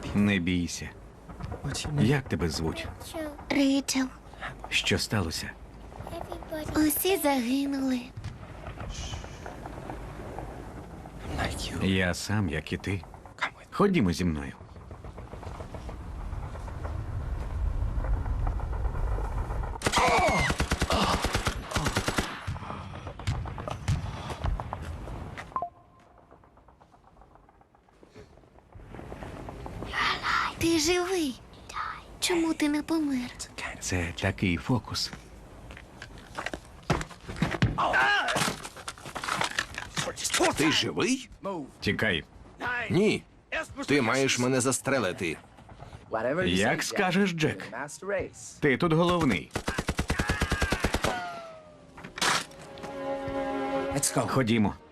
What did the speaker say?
Не бійся. Як тебе звуть? Рейчел, Що сталося? усі загинули. Я сам, як і ти. Ходімо зі мною. Ти живий. Чому ти не помер? Це такий фокус. Ти живий? Тікай. Ні. Ти маєш мене застрелити. Як скажеш, Джек. Ти тут головний. Ходімо.